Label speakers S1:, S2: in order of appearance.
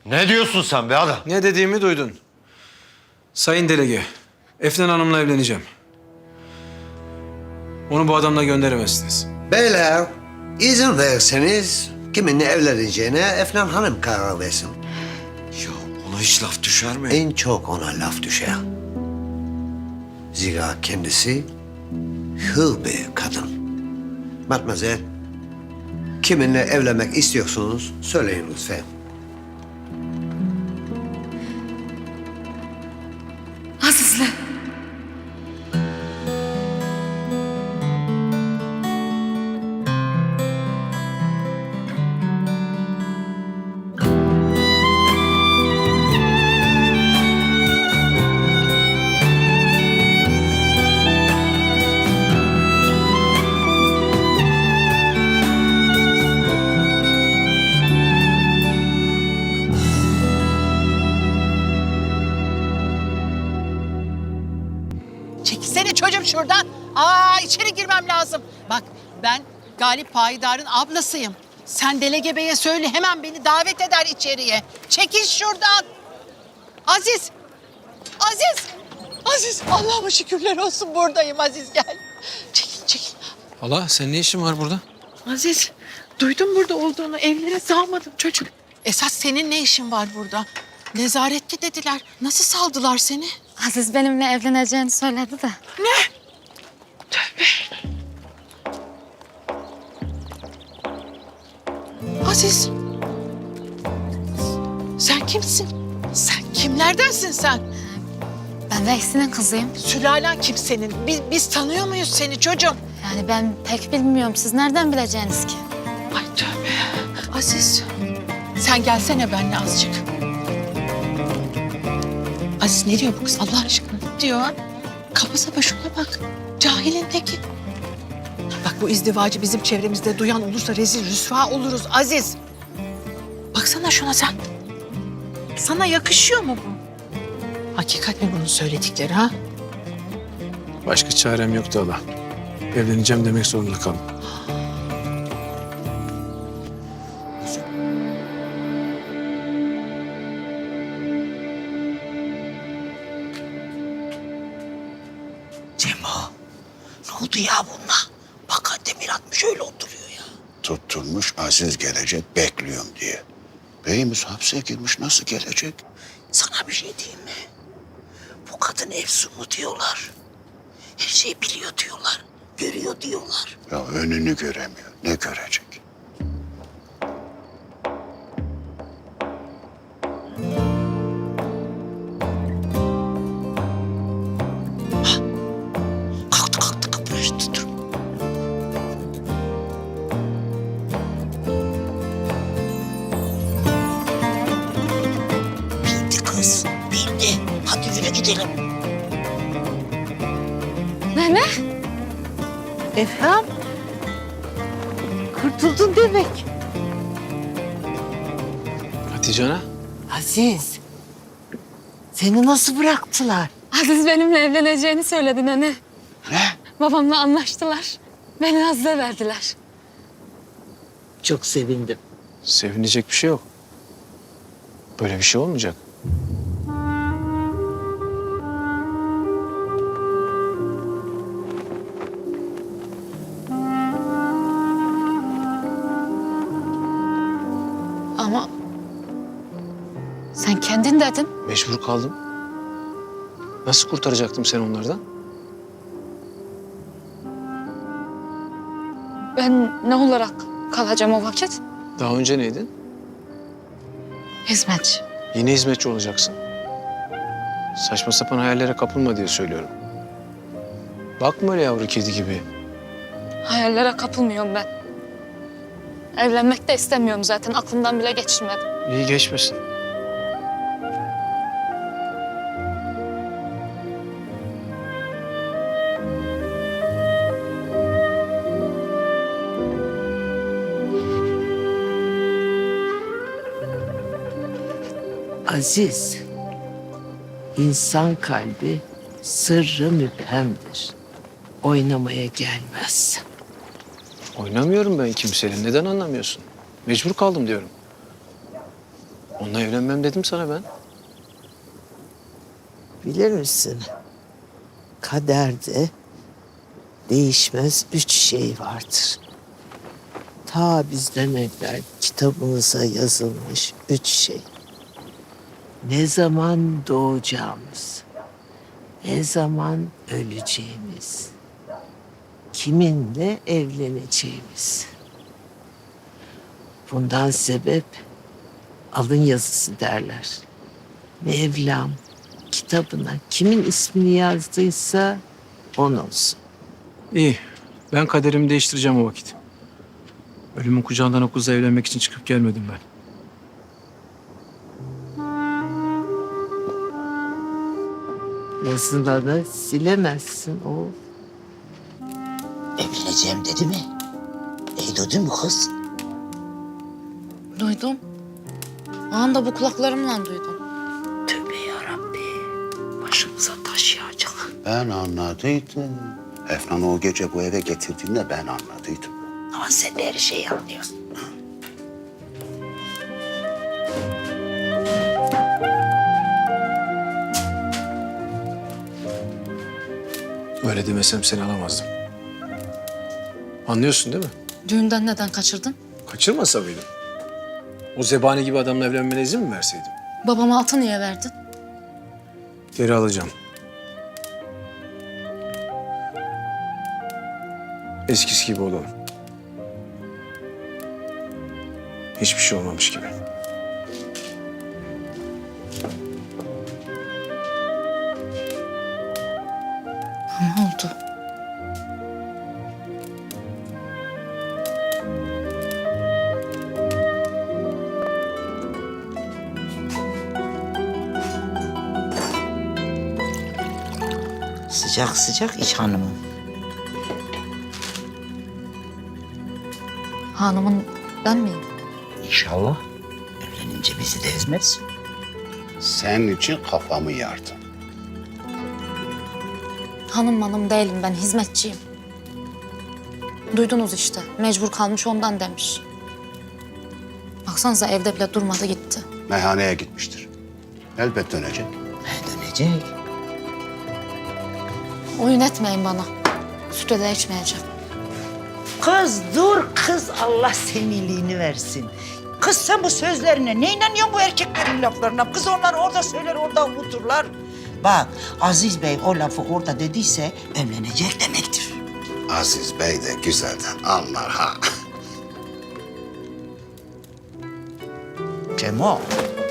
S1: Ne diyorsun sen be adam?
S2: Ne dediğimi duydun. Sayın Delege, Efnan Hanım'la evleneceğim. Onu bu adamla gönderemezsiniz.
S3: Beyler, izin verirseniz kiminle evleneceğine Efnan Hanım karar versin.
S1: Ya ona hiç laf düşer mi?
S3: En çok ona laf düşer. Zira kendisi hür bir kadın. Matmazel, kiminle evlenmek istiyorsunuz söyleyin lütfen.
S4: Aziz'le.
S5: Çekilsene çocuğum şuradan. İçeri girmem lazım. Bak ben Galip Payidar'ın ablasıyım. Sen Delege Bey'e söyle hemen beni davet eder içeriye. Çekil şuradan. Aziz. Aziz. Aziz. Allah'ıma şükürler olsun buradayım Aziz gel. Çekil.
S2: Hala sen ne işin var burada?
S5: Aziz duydum burada olduğunu evlere sağmadım çocuk. Esas senin ne işin var burada? Nezarette dediler. Nasıl saldılar seni?
S4: Aziz benimle evleneceğini söyledi de.
S5: Aziz. Sen kimsin? Sen kimlerdensin sen?
S4: Ben Veysi'nin kızıyım.
S5: Sülalen kim senin? Biz tanıyor muyuz seni çocuğum?
S4: Yani ben pek bilmiyorum. Siz nereden bileceğiniz ki?
S5: Ay tövbe. Aziz. Sen gelsene benimle azıcık. Aziz ne diyor bu kız Allah aşkına? Ne diyor? Kafasına başına bak. Cahilin teki. Bak bu izdivacı bizim çevremizde duyan olursa rezil rüsva oluruz Aziz. Baksana şuna sen. Sana yakışıyor mu bu? Hakikat mi bunun söyledikleri ha?
S2: Başka çarem yoktu hala. Evleneceğim demek zorunda kaldım.
S5: Cemo, ne oldu ya bununla? Bak Demir atmış öyle oturuyor ya.
S6: Tutturmuş Aziz gelecek bekliyorum diye. Beyimiz hapse girmiş nasıl gelecek?
S5: Sana bir şey diyeyim mi? Bu kadın Efsun mu diyorlar. Her şeyi biliyor diyorlar. Görüyor diyorlar.
S6: Ya önünü göremiyor. Ne görecek?
S5: Kalktı kıpırıştı dur. Bildi kız, bildi. Hadi yürü gidelim.
S4: Ne?
S5: Efendim? Kurtuldun demek.
S2: Hatice Ana,
S5: Aziz, seni nasıl bıraktılar?
S4: Aziz benimle evleneceğini söyledi nene.
S6: Ne?
S4: Babamla anlaştılar. Beni Aziz'e verdiler.
S5: Çok sevindim.
S2: sevinecek bir şey yok. Böyle bir şey olmayacak.
S4: Ama sen kendin dedin.
S2: Mecbur kaldım. Nasıl kurtaracaktım seni onlardan?
S4: Ben ne olarak kalacağım o vakit?
S2: Daha önce neydin?
S4: Hizmetçi.
S2: Yine hizmetçi olacaksın. Saçma sapan hayallere kapılma diye söylüyorum. Bakma öyle yavru kedi gibi.
S4: Hayallere kapılmıyorum ben. Evlenmek de istemiyorum zaten. Aklımdan bile geçirmedim.
S2: İyi geçmesin.
S7: Aziz, insan kalbi sırrı müphemdir. Oynamaya gelmez.
S2: Oynamıyorum ben kimseyle. Neden anlamıyorsun? Mecbur kaldım diyorum. Onunla evlenmem dedim sana ben.
S7: Bilir misin? Kaderde değişmez 3 şey vardır. Ta bizden evvel kitabımıza yazılmış 3 şey. Ne zaman doğacağımız, ne zaman öleceğimiz, kiminle evleneceğimiz. Bundan sebep alın yazısı derler. Mevlam kitabına kimin ismini yazdıysa on olsun.
S2: İyi. Ben kaderimi değiştireceğim o vakit. Ölümün kucağından o kızla evlenmek için çıkıp gelmedim ben.
S7: Yazına da silemezsin o.
S8: Evleneceğim dedi mi? Duydun mu kız?
S4: Duydum. Anda bu kulaklarımla duydum.
S8: Tövbe yarabbim. Başımıza taş yağacak.
S6: Ben anladıydım. Efnan'ı o gece bu eve getirdiğinde ben anladıydım.
S8: Ama sen de her şeyi anlıyorsun.
S2: Öyle demesem seni alamazdım. Anlıyorsun değil mi?
S4: Düğünden neden kaçırdın?
S2: Kaçırmasa mıydım? O zebani gibi adamla evlenmene izin mi verseydim?
S4: Babama atı niye verdin?
S2: Geri alacağım. Eskisi gibi olalım. Hiçbir şey olmamış gibi.
S4: Ne oldu?
S8: Sıcak sıcak iç hanımım.
S4: Hanımın ben miyim?
S8: İnşallah evlenince bizi de ezmez.
S6: Senin için kafamı yardım.
S4: Hanım değilim ben, hizmetçiyim. Duydunuz işte, mecbur kalmış ondan demiş. Baksanıza evde bile durmadı gitti.
S6: Meyhaneye gitmiştir. Elbet dönecek.
S8: Dönecek.
S4: Oyun etmeyin bana. Süt de içmeyeceğim.
S8: Kız dur kız, Allah senin iyiliğini versin. Kız sen bu sözlerine ne inanıyorsun bu erkeklerin laflarına? Kız onlar orada söyler orada unuturlar. Bak Aziz Bey o lafı orada dediyse evlenecek demektir.
S6: Aziz Bey de güzelden anlar ha.
S8: Cemo